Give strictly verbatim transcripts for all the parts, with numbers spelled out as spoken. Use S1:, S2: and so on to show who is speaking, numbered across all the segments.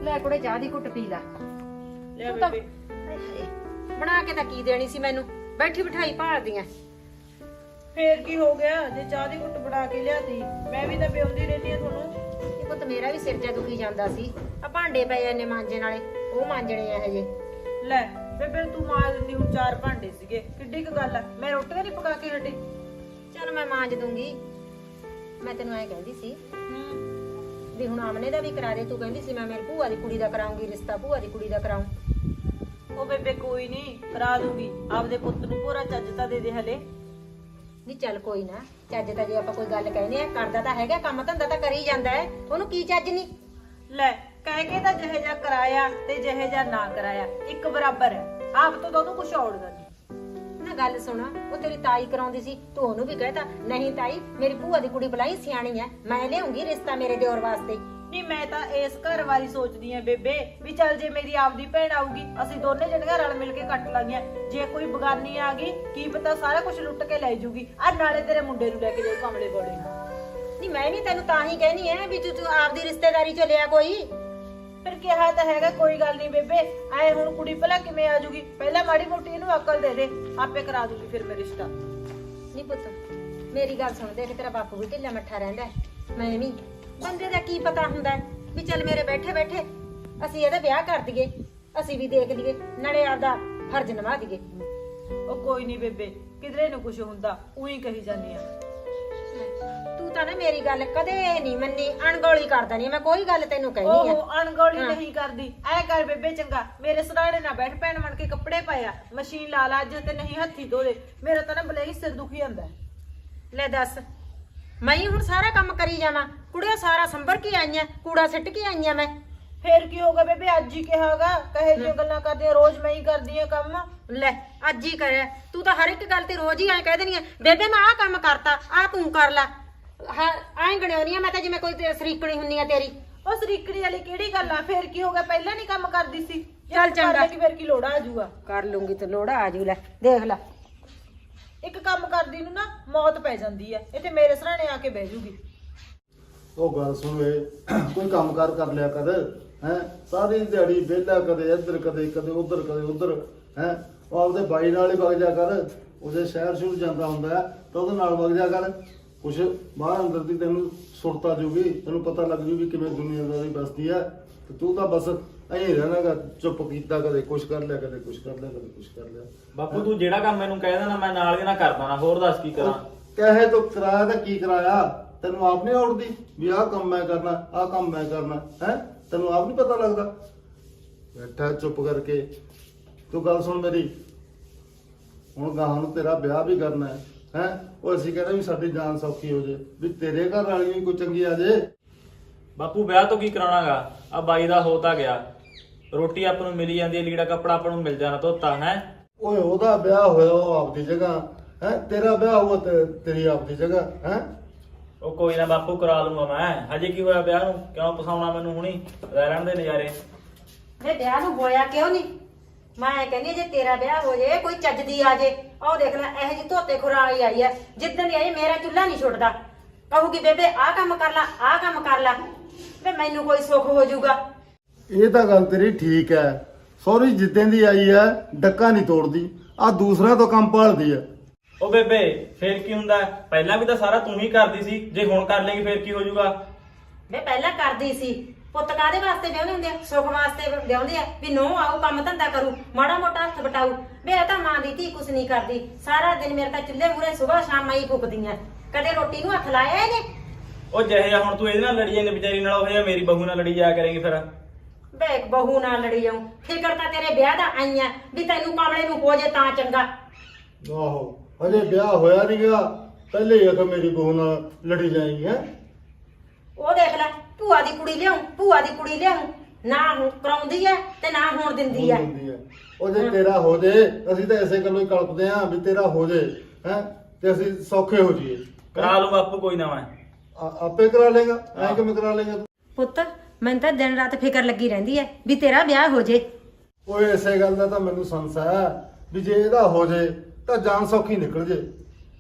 S1: ਲੈ ਕੁੜੇ ਚਾਹ ਦੀ ਘੁੱਟ ਪੀ ਲਾ।
S2: ਲੈ
S1: ਤੂੰ ਤਾਂ-
S2: ਬੇਬੇ
S1: ਹਾਏ ਹਾਏ, ਬਣਾ ਕੇ ਤਾਂ ਕੀ ਦੇਣੀ ਸੀ ਮੈਨੂੰ, ਬੈਠੀ ਬਿਠਾਈ ਭਾਲਦੀਆਂ।
S2: ਫੇਰ ਕੀ ਹੋ ਗਿਆ ਜੇ ਚਾਹ ਦੀ ਘੁੱਟ ਬਣਾ ਕੇ ਲਿਆਤੀ? ਮੈਂ ਵੀ ਤਾਂ ਪਿਉਂਦੀ ਰਹਿੰਦੀ ਆ ਤੁਹਾਨੂੰ।
S1: ਇਹ ਪੁੱਤ ਮੇਰਾ ਵੀ ਸਿਰ ਜਾ ਦੁਖੀ ਜਾਂਦਾ ਸੀ। ਆ ਭਾਂਡੇ ਪਏ ਨੇ ਮਾਂਜਣ ਵਾਲੇ, ਉਹ ਮਾਂਜਣੇ ਆ ਹਜੇ।
S2: ਲੈ ਬੇਬੇ ਤੂੰ ਮਾਂਜ ਦਿੰਦੀ, ਹੁਣ ਚਾਰ ਭਾਂਡੇ ਸੀਗੇ, ਕਿੱਡੀ ਕੁ ਗੱਲ ਆ। ਮੈਂ ਰੋਟੀਆਂ ਨਹੀਂ ਪਕਾ ਕੇ ਹਟੀ।
S1: ਚੱਲ ਮੈਂ ਮਾਂਜ ਦੂੰਗੀ। ਮੈਂ ਤੈਨੂੰ ਐ ਕਹਿੰਦੀ ਸੀ ਵੀ ਹੁਣ ਆਮਨੇ ਦਾ ਵੀ ਕਰਾ ਦੇ। ਤੂੰ ਕਹਿੰਦੀ ਸੀ ਮੈਂ ਮੇਰੀ ਭੂਆ ਦੀ ਕੁੜੀ ਦਾ ਕਰਾਉਂਗੀ ਰਿਸ਼ਤਾ, ਭੂਆ ਦੀ ਕੁੜੀ ਦਾ ਕਰਾਉਂ।
S2: ਉਹ ਬੇਬੇ ਕੋਈ ਨਹੀਂ, ਕਰਾ ਦੂੰਗੀ। ਆਪਦੇ ਪੁੱਤ ਨੂੰ ਪੂਰਾ ਚੱਜ ਤਾਂ ਦੇ ਦੇ ਹਲੇ।
S1: ਨਹੀਂ ਚੱਲ ਕੋਈ ਨਾ, ਚੱਜ ਤਾਂ ਜੇ ਆਪਾਂ ਕੋਈ ਗੱਲ ਕਹਿੰਦੇ ਆ, ਕਰਦਾ ਤਾਂ ਹੈਗਾ, ਕੰਮ ਧੰਦਾ ਤਾਂ ਕਰੀ ਜਾਂਦਾ ਹੈ, ਉਹਨੂੰ ਕੀ ਚੱਜ ਨਹੀਂ।
S2: ਲੈ ਕਹਿ ਕੇ ਤਾਂ ਜਿਹੇ ਜਾ ਕਰਾਇਆ ਤੇ ਜਿਹੇ ਜਾ ਨਾ ਕਰਾਇਆ ਇੱਕ ਬਰਾਬਰ ਹੈ। ਆਪ ਤੋਂ ਤਾਂ ਉਹਨੂੰ ਕੁਛ ਔੜਦਾ ਨਹੀਂ।
S1: ਨਾ ਗੱਲ ਸੁਣ, ਉਹ ਤੇਰੀ ਤਾਈ ਕਰਾਉਂਦੀ ਸੀ, ਤੂੰ ਉਹਨੂੰ ਵੀ ਕਹਿਤਾ ਨਹੀਂ ਤਾਈ ਮੇਰੀ ਭੂਆ ਦੀ ਕੁੜੀ ਬੁਲਾਈ, ਸਿਆਣੀ ਐ, ਮੈਂ ਲਿਆਉਂਗੀ ਰਿਸ਼ਤਾ ਮੇਰੇ ਦਿਓਰ ਵਾਸਤੇ।
S2: ਨਹੀਂ ਮੈਂ ਤਾਂ ਇਸ ਘਰ ਵਾਲੀ ਸੋਚਦੀ ਆ ਬੇਬੇ, ਵੀ ਚੱਲ ਜੇ ਮੇਰੀ ਆਪਦੀ ਭੈਣ ਆਊਗੀ ਅਸੀਂ ਦੋਨੇ ਜਣੀਆਂ ਰਲ ਮਿਲ ਕੇ ਕੱਟ ਲਾਂਗੀਆਂ। ਜੇ ਕੋਈ ਬਗਾਨੀ ਆ ਗਈ ਕੀ ਪਤਾ ਸਾਰਾ ਕੁਝ ਲੁੱਟ ਕੇ ਲੈ ਜੂਗੀ। ਆ ਨਾਲੇ ਤੇਰੇ ਮੁੰਡੇ ਨੂੰ ਲੈ ਕੇ ਜਾਊ ਕਮਲੇ ਕੋਲੇ।
S1: ਨਹੀਂ ਮੈਂ ਵੀ ਤੈਨੂੰ ਤਾਂ ਹੀ ਕਹਿਨੀ ਐ ਵੀ ਤੂੰ ਤੂੰ ਆਪਦੀ ਰਿਸ਼ਤੇਦਾਰੀ ਚ ਲਿਆ ਕੋਈ।
S2: ਫਿਰ ਕਿਹਾ ਤਾਂ ਹੈਗਾ ਕੋਈ ਗੱਲ ਨਹੀਂ ਬੇਬੇ, ਆਏ ਹੁਣ ਕੁੜੀ ਭਲਾ ਕਿਵੇਂ ਆ ਜੂਗੀ? ਪਹਿਲਾਂ ਮਾੜੀ ਮੋਟੀ ਇਹਨੂੰ ਅਕਲ ਦੇ ਦੇ, ਆਪੇ ਕਰਾ ਦੂਗੀ ਫਿਰ ਮੈਂ ਰਿਸ਼ਤਾ।
S1: ਨਹੀਂ ਪੁੱਤ ਮੇਰੀ ਗੱਲ ਸੁਣ, ਦੇਖ ਤੇਰਾ ਬਾਪੂ ਵੀ ਢਿੱਲਾ ਮੱਠਾ ਰਹਿੰਦਾ, ਮੈਂ ਵੀ। ਬੰਦੇ ਦਾ ਕੀ ਪਤਾ ਹੁੰਦਾ ਵੀ ਚੱਲ ਮੇਰੇ ਬੈਠੇ ਬੈਠੇ ਅਸੀਂ ਇਹਦਾ ਵਿਆਹ ਕਰ ਦਈਏ, ਅਸੀਂ ਵੀ ਦੇਖ ਲਈਏ, ਨਾਲੇ ਆਪਦਾ ਫਰਜ਼ ਨਿਭਾ ਦਈਏ।
S2: ਉਹ ਕੋਈ ਨਹੀਂ ਬੇਬੇ, ਕਿਧਰੇ ਨੂੰ ਕੁਝ ਹੁੰਦਾ, ਉਹੀ ਕਹੀ ਜਾਂਦੀ ਆ।
S1: ਤੂੰ ਤਾਂ ਨਾ ਮੇਰੀ ਗੱਲ ਕਦੇ ਨਹੀਂ ਮੰਨੀ, ਅਣਗੌਲੀ ਕਰਦਾ ਨਹੀਂ। ਮੈਂ ਕੋਈ ਗੱਲ ਤੈਨੂੰ ਕਹਿਣੀ ਆ।
S2: ਉਹ ਅਣਗੌਲੀ ਨਹੀਂ ਕਰਦੀ। ਐ ਕਰ ਬੇਬੇ ਚੰਗਾ, ਮੇਰੇ ਸਰਾਣੇ ਨਾ ਬੈਠ, ਭੈਣ ਬਣ ਕੇ ਕੱਪੜੇ ਪਾਇਆ, ਮਸ਼ੀਨ ਲਾ ਲਾ ਅੱਜ ਤੇ ਨਹੀਂ ਹੱਥੀ ਧੋ ਦੇ। ਮੇਰਾ ਤਾਂ ਨਾ ਬਲੇ ਹੀ ਸਿਰ ਦੁਖੀ ਜਾਂਦਾ।
S1: ਲੈ ਦੱਸ, ਮੈਂ ਹੀ ਹੁਣ ਸਾਰਾ ਕੰਮ ਕਰੀ ਜਾਵਾਂ? ਕੁੜੀਆਂ ਸਾਰਾ ਸੰਭਰ ਕੇ ਆਈਆਂ, ਕੂੜਾ ਸਿੱਟ ਕੇ ਆਈਆਂ ਮੈਂ।
S2: ਫੇਰ ਕੀ ਹੋਗਾ ਬੇਬੇ, ਅੱਜ ਹੀ ਕਿਹਾਗਾ, ਕਹੇ ਜਿਹੀਆਂ ਗੱਲਾਂ ਕਰਦੀ ਆ, ਰੋਜ਼ ਮੈਂ ਹੀ ਕਰਦੀ ਆ ਕੰਮ।
S1: ਲੈ ਅੱਜ ਹੀ ਕਰਿਆ ਤੂੰ ਤਾਂ, ਹਰ ਇੱਕ ਗੱਲ ਤੇ ਰੋਜ਼ ਹੀ ਐਂ ਕਹਿ ਦੇਣੀ ਆ ਬੇਬੇ ਮੈਂ ਆਹ ਕੰਮ ਕਰਤਾ, ਆਹ ਤੂੰ ਕਰ ਲੈ। ਹਾਂ ਐਂ ਗਣਿਆਉਣੀ ਆ ਮੈਂ ਤਾਂ ਜਿਵੇਂ ਕੋਈ ਤੇ ਸਰੀਕਣੀ ਹੁੰਨੀ ਆ ਤੇਰੀ।
S2: ਉਹ ਸਰੀਕੜੀ ਵਾਲੀ ਕਿਹੜੀ ਗੱਲ ਆ? ਫੇਰ ਕੀ ਹੋਗਾ, ਪਹਿਲਾਂ ਨਹੀਂ ਕੰਮ ਕਰਦੀ ਸੀ।
S1: ਚੱਲ ਚੰਗਾ,
S2: ਕਿ ਫੇਰ ਕੀ ਲੋੜਾ ਆ ਜੂਗਾ?
S1: ਕਰ ਲੂੰਗੀ ਤੇ ਲੋੜਾ ਆ ਜੂ। ਲੈ ਦੇਖ ਲੈ,
S2: ਇੱਕ ਕੰਮ ਕਰਦੀ ਨੂੰ ਨਾ ਮੌਤ ਪੈ ਜਾਂਦੀ ਆ, ਇੱਥੇ ਮੇਰੇ ਸਰਾਣੇ ਆ ਕੇ ਬਹਿ ਜੂਗੀ।
S3: ਉਹ ਗੱਲ ਸੁਣ ਵੇ, ਕੋਈ ਕੰਮਕਾਰ ਕਰ ਲਿਆ ਕਰ ਹੈ। ਸਾਰੀ ਦਿਹਾੜੀ ਵਿਹਲਾ, ਕਦੇ ਇੱਧਰ ਕਦੇ ਕਦੇ ਉਧਰ ਕਦੇ ਉਧਰ ਹੈ। ਉਹ ਆਪਦੇ ਬਾਈ ਨਾਲ ਹੀ ਵਗ ਜਾ ਕਰ। ਉਹਦੇ ਸ਼ਹਿਰ ਸ਼ੁਰੂ ਜਾਂਦਾ ਹੁੰਦਾ ਤਾਂ ਉਹਦੇ ਨਾਲ ਵਗ ਜਾ ਕਰ। ਕੁਛ ਬਾਹਰ ਅੰਦਰ ਦੀ ਤੈਨੂੰ ਸੁਰਤਾ ਜੂਗੀ, ਤੈਨੂੰ ਪਤਾ ਲੱਗ ਜੂ ਵੀ ਕਿਵੇਂ ਦੁਨੀਆਦਾਰੀ ਬਸਦੀ ਹੈ। ਤੇ ਤੂੰ ਤਾਂ ਬਸ ਐਂ ਰਹਿਣਾਗਾ ਚੁੱਪ ਕੀਤਾ, ਕਦੇ ਕੁਛ ਕਰ ਲਿਆ ਕਦੇ ਕੁਛ ਕਰ ਲਿਆ ਕਦੇ ਕੁਛ ਕਰ ਲਿਆ।
S4: ਬਾਪੂ ਤੂੰ ਜਿਹੜਾ ਕੰਮ ਮੈਨੂੰ ਕਹਿ ਦੇਣਾ ਮੈਂ ਨਾਲ ਦੀ ਨਾਲ ਕਰਦਾ ਨਾ, ਹੋਰ ਦੱਸ ਕੀ ਕਰਾਂ?
S3: ਕਹੇ ਤੂੰ ਕਰਾਇਆ ਤਾਂ ਕੀ ਕਰਾਇਆ? ਤੈਨੂੰ ਆਪ ਨਹੀਂ ਔੜਦੀ ਵੀ ਆਹ ਕੰਮ ਮੈਂ ਕਰਨਾ, ਆਹ ਕੰਮ ਮੈਂ ਕਰਨਾ ਹੈ? ਤੈਨੂੰ ਆਪ ਨਹੀਂ ਪਤਾ ਲੱਗਦਾ? ਬੈਠਾ ਚੁੱਪ ਕਰਕੇ। ਤੂੰ ਗੱਲ ਸੁਣ ਮੇਰੀ, ਹੁਣ ਗਾਹਾਂ ਨੂੰ ਤੇਰਾ ਵਿਆਹ ਵੀ ਕਰਨਾ ਹੈ ਹੈ। ਉਹ ਅਸੀਂ ਕਹਿੰਦੇ ਵੀ ਸਾਡੀ ਜਾਨ ਸੌਖੀ ਹੋ ਜੇ, ਵੀ ਤੇਰੇ ਘਰ ਵਾਲੀ ਵੀ ਕੋਈ ਚੰਗੀ ਆ ਜੇ।
S4: ਬਾਪੂ ਵਿਆਹ ਤੋਂ ਕੀ ਕਰਾਉਣਾਗਾ? ਆ ਬਾਈ ਦਾ ਹੋ ਤਾਂ ਗਿਆ, ਰੋਟੀ ਆਪਾਂ ਨੂੰ ਮਿਲੀ ਜਾਂਦੀ ਹੈ, ਲੀੜਾ ਕੱਪੜਾ ਆਪਾਂ ਨੂੰ ਮਿਲ ਜਾਣਾ ਧੋਤਾ ਹੈ।
S3: ਓਏ ਉਹਦਾ ਵਿਆਹ ਹੋਇਆ ਉਹ ਆਪਦੀ ਜਗ੍ਹਾ ਹੈ, ਤੇਰਾ ਵਿਆਹ ਹੋਇਆ ਤੇ ਤੇਰੀ ਆਪਦੀ ਜਗ੍ਹਾ ਹੈ।
S4: ਉਹ ਕੋਈ ਨਾ ਬਾਪੂ ਕਰਾ ਲੂੰਗਾ ਮੈਂ, ਹਜੇ ਕੀ ਹੋਇਆ ਵਿਆਹ ਨੂੰ? ਕਿਉਂ ਪਸਾਉਣਾ ਮੈਨੂੰ ਹੁਣੀ? ਰਹਿਣ ਦੇ ਨਜ਼ਾਰੇ।
S1: ਵੇ ਵਿਆਹ ਨੂੰ ਹੋਇਆ ਕਿਉਂ ਨਹੀਂ? ਮੈਂ ਕਹਿੰਦੀ ਜੇ ਤੇਰਾ ਵਿਆਹ ਹੋ ਜੇ, ਕੋਈ ਚੱਜ ਦੀ ਆ ਜੇ। ਆਹ ਦੇਖ ਲੈ ਇਹੋ ਜਿਹੀ ਧੋਤੇ ਖੁਰਾਂ ਵਾਲੀ ਆਈ ਐ, ਜਿੱਦਣ ਦੀ ਆਈ ਮੇਰਾ ਚੁੱਲ੍ਹਾ ਨਹੀਂ ਛੁੱਟਦਾ। ਕਹੂਗੀ ਬੇਬੇ ਆਹ ਕੰਮ ਕਰ ਲੈ, ਆਹ ਕੰਮ ਕਰ ਲੈ, ਵੇ ਮੈਨੂੰ ਕੋਈ ਸੁੱਖ ਹੋ ਜਾਊਗਾ।
S3: ਇਹ ਤਾਂ ਗੱਲ ਤੇਰੀ ਠੀਕ ਹੈ। ਸੌਰੀ ਜਿੱਦਾਂ ਦੀ ਆਈ ਹੈ ਡੱਕਾ ਨਹੀਂ ਤੋੜਦੀ, ਆ ਦੂਸਰਾ ਤੋਂ ਕੰਮ ਭਾਲਦੀ ਹੈ।
S4: ਉਹ ਬੇਬੇ ਫੇਰ ਕੀ ਹੁੰਦਾ? ਪਹਿਲਾਂ ਵੀ ਤਾਂ ਸਾਰਾ ਤੂੰ ਹੀ ਕਰਦੀ ਸੀ, ਜੇ ਹੁਣ ਕਰ ਲੇਗੀ ਫੇਰ ਕੀ ਹੋ ਜਾਊਗਾ?
S1: ਵੇ ਪਹਿਲਾਂ ਕਰਦੀ ਸੀ। ਪੁੱਤ ਕਾਹਦੇ ਵਾਸਤੇ ਵਿਆਹੁੰਦੇ ਹੁੰਦੇ ਆ? ਸੁੱਖ ਵਾਸਤੇ ਵਿਆਹੁੰਦੇ ਆ ਵੀ ਨੂੰਹ ਆਊ ਕੰਮ ਧੰਦਾ ਕਰੂ, ਮਾੜਾ ਮੋਟਾ ਹੱਥ ਵਟਾਊ। ਵੇ ਇਹ ਤਾਂ ਮਾਂ ਦੀ ਧੀ ਕੁਛ ਨਹੀਂ ਕਰਦੀ, ਸਾਰਾ ਦਿਨ ਮੇਰੇ ਤਾਂ ਚੁੱਲ੍ਹੇ ਮੂਹਰੇ ਸੁਬਾਹ ਸ਼ਾਮ ਹੀ ਫੁੱਕਦੀਆਂ, ਕਦੇ ਰੋਟੀ ਨੂੰ ਹੱਥ ਲਾਇਆ ਇਹਨੇ।
S4: ਉਹ ਜਿਹੇ ਹੁਣ ਤੂੰ ਇਹਦੇ ਨਾਲ ਲੜੀ ਜਾਂਦੀ ਵਿਚਾਰੀ ਨਾਲ, ਉਹ ਜਿਹਾ ਮੇਰੀ ਬਹੂ ਨਾਲ ਲੜੀ ਜਾਇਆ ਕਰੇਗੀ ਫਿਰ।
S1: ਵੇ ਬਹੂ ਨਾਲ ਲੜੀ ਜਾਊ, ਫਿਕਰ ਤਾਂ ਤੇਰੇ ਵਿਆਹ ਦਾ ਆਈਆਂ ਵੀ ਤੈਨੂੰ ਕਮਲੇ ਨੂੰ ਹੋ ਜੇ ਤਾਂ ਚੰਗਾ।
S3: ਆਹੋ ਹਜੇ ਵਿਆਹ ਹੋਇਆ ਨਹੀਂ ਗਿਆ, ਪਹਿਲੇ ਹੀ ਆਖ ਮੇਰੀ ਬਹੂ ਨਾਲ ਲੜੀ ਜਾਏਗੀ ਹੈ।
S1: ਉਹ ਦੇਖ ਲੈ ਭੂਆ ਦੀ ਕੁੜੀ ਲਿਆਉਂ, ਭੂਆ ਦੀ ਕੁੜੀ ਲਿਆਉਂ, ਨਾ ਹੁਣ ਕਰਾਉਂਦੀ ਐ ਤੇ ਨਾ ਹੋਣ ਦਿੰਦੀ ਐ।
S3: ਉਹ ਜੇ ਤੇਰਾ ਹੋ ਜੇ, ਅਸੀਂ ਤਾਂ ਐਸੇ ਗੱਲੋਂ ਹੀ ਕਲਪਦੇ ਆਂ ਵੀ ਤੇਰਾ ਹੋ ਜੇ ਹੈ, ਤੇ ਅਸੀਂ ਸੌਖੇ ਹੋ ਜਾਈਏ।
S4: ਕਰਾ ਲੂ ਬਾਪੂ ਕੋਈ ਨਾ, ਮੈਂ
S3: ਆਪੇ ਕਰਾ ਲੇਗਾ, ਐ ਕਿਵੇਂ ਕਰਾ ਲੇਗਾ ਤੂੰ?
S1: ਪੁੱਤ ਮੈਨੂੰ ਤਾਂ ਦਿਨ ਰਾਤ ਫਿਕਰ ਲੱਗੀ ਰਹਿੰਦੀ ਐ ਵੀ ਤੇਰਾ ਵਿਆਹ ਹੋ ਜੇ।
S3: ਓਏ ਐਸੇ ਗੱਲ ਦਾ ਤਾਂ ਮੈਨੂੰ ਸੰਸ ਹੈ ਵੀ ਜੇ ਇਹਦਾ ਹੋ ਜੇ ਤਾਂ ਜਾਨ ਸੌਖੀ ਨਿਕਲ ਜੇ।